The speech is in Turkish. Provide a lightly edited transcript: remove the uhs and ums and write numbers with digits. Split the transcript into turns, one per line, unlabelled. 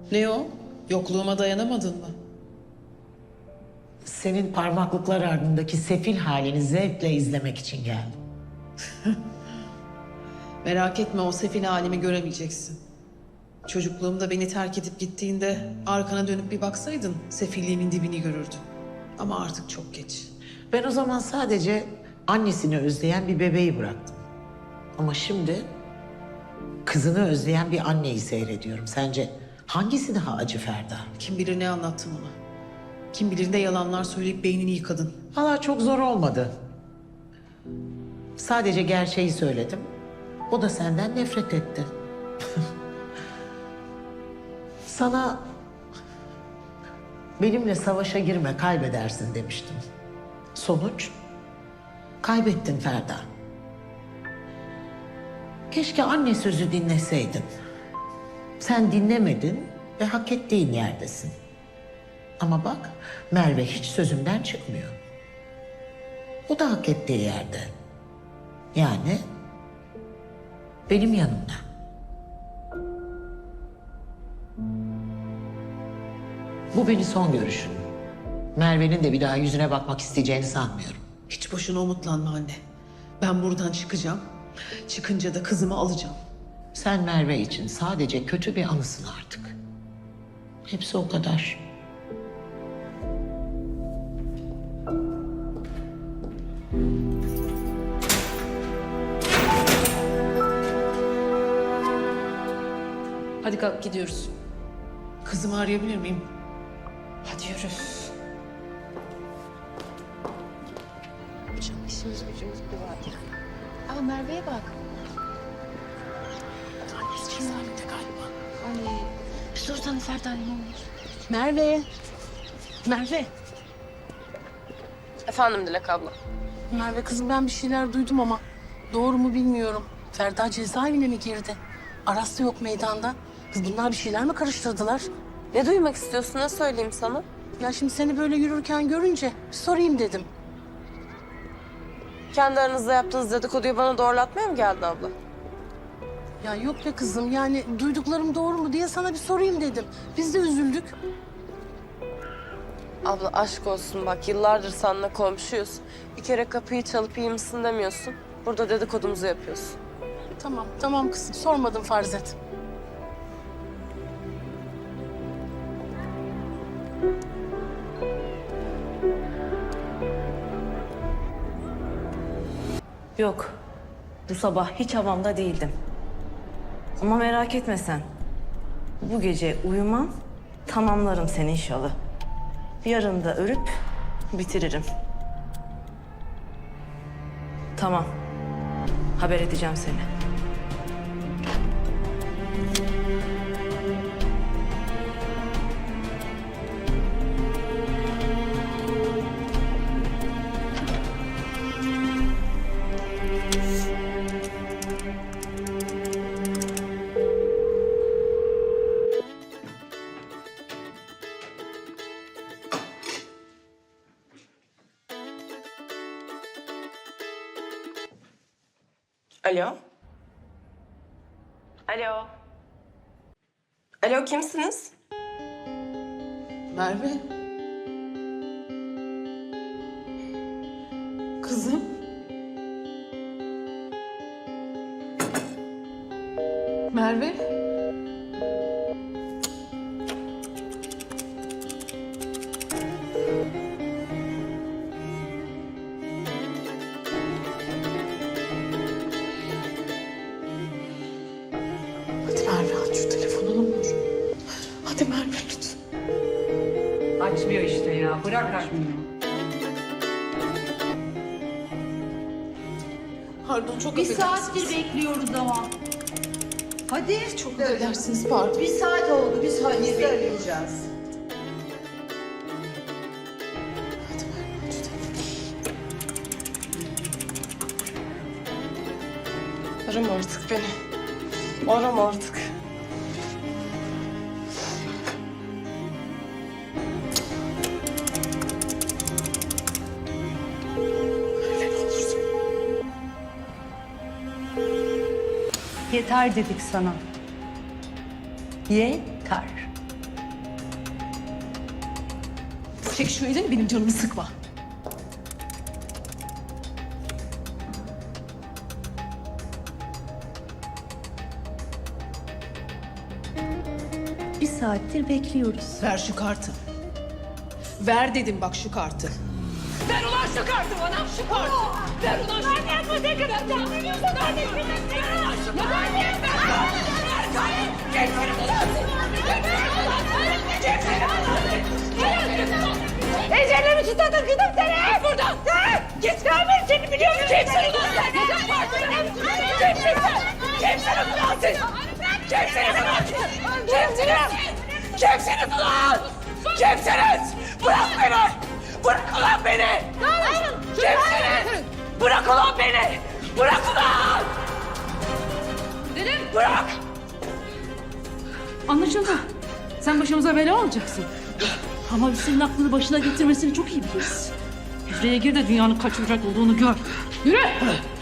Ne o? Yokluğuma dayanamadın mı?
Senin parmaklıklar ardındaki sefil halini zevkle izlemek için geldim.
Merak etme, o sefil halimi göremeyeceksin. Çocukluğumda beni terk edip gittiğinde arkana dönüp bir baksaydın sefilliğimin dibini görürdün. Ama artık çok geç.
Ben o zaman sadece annesini özleyen bir bebeği bıraktım. Ama şimdi kızını özleyen bir anneyi seyrediyorum. Sence hangisi daha acı Ferda?
Kim bilir ne anlattım ona. Kim bilir ne yalanlar söyleyip beynini yıkadın.
Valla çok zor olmadı. Sadece gerçeği söyledim. O da senden nefret etti. Sana benimle savaşa girme, kaybedersin demiştim. Sonuç? Kaybettin Ferda. Keşke anne sözü dinleseydin. Sen dinlemedin ve hak ettiğin yerdesin. Ama bak, Merve hiç sözümden çıkmıyor. O da hak ettiği yerde. Yani benim yanımda. Bu benim son görüşüm. Merve'nin de bir daha yüzüne bakmak isteyeceğini sanmıyorum.
Hiç boşuna umutlanma anne. Ben buradan çıkacağım. Çıkınca da kızımı alacağım.
Sen Merve için sadece kötü bir anısın artık. Hepsi o kadar.
Hadi kalk gidiyoruz. Kızımı arayabilir miyim? Hadi yürü.
Hocam işimiz gücümüz bir var yani. Aa Merve'ye bak.
Annesi cezaevinde galiba.
Ay. Bir sorsana Ferda ne olur.
Merve. Merve.
Efendim Dilek abla.
Merve kızım ben bir şeyler duydum ama doğru mu bilmiyorum. Ferda cezaevine mi girdi? Aras da yok meydanda. Kız bunlar bir şeyler mi karıştırdılar?
Ne duymak istiyorsun, ne söyleyeyim sana?
Ya şimdi seni böyle yürürken görünce bir sorayım dedim.
Kendi aranızda yaptığınız dedikoduyu bana doğrulatmaya mı geldi abla?
Ya yok be kızım yani duyduklarım doğru mu diye sana bir sorayım dedim. Biz de üzüldük.
Abla aşk olsun bak, yıllardır seninle komşuyuz. Bir kere kapıyı çalıp iyi misin demiyorsun. Burada dedikodumuzu yapıyorsun.
Tamam tamam kızım sormadım farz et.
Yok. Bu sabah hiç havamda değildim. Ama merak etme sen. Bu gece uyumam, tamamlarım seni inşallah. Yarın da örüp bitiririm. Tamam. Haber edeceğim seni.
Alo? Alo? Alo, kimsiniz?
Merve. Kızım. Merve. Hadi Merve aç şu telefonu ne olur. Hadi Merve lütfen.
Açmıyor işte ya. Bırak açmıyor.
Pardon çok
Bir
affedersiniz.
saattir bekliyoruz ama. Hadi.
Çok affedersiniz pardon.
Bir saat oldu. Biz halledeceğiz.
Hadi Merve aç şu telefonu.
Arama artık beni. Arama artık.
Merve ne olursun.
Yeter dedik sana. Yeter.
Çek şu elini, benim canımı sıkma.
Bir saattir bekliyoruz.
Ver şu kartı. Ver dedim bak şu kartı. Ver ulan şu kartı bana, şu kartı. Ver ulan şu kartı. Ver ne kadar tahminiyorsun? Ver ulan şu kartı. Ver kartı. Geçsene ulan. Geçsene ulan. Ece'yle mi tutadım gidip seni? Buradan. Git kalmayın seni biliyorum. Kimsin ulan sen? Kimsin sen? Kimsin ulan siz? Kimsiniz ulan? Kimsiniz? Kimsiniz ulan? Kimsiniz? Bırak beni! Bırak ulan beni! Kimsiniz? Bırak ulan beni! Bırak ulan! Bırak!
Anlaşıldı. Sen başımıza bela olacaksın. Ama biz senin aklını başına getirmesini çok iyi biliriz. Hücreye gir de dünyanın kaç bucak olduğunu gör. Yürü!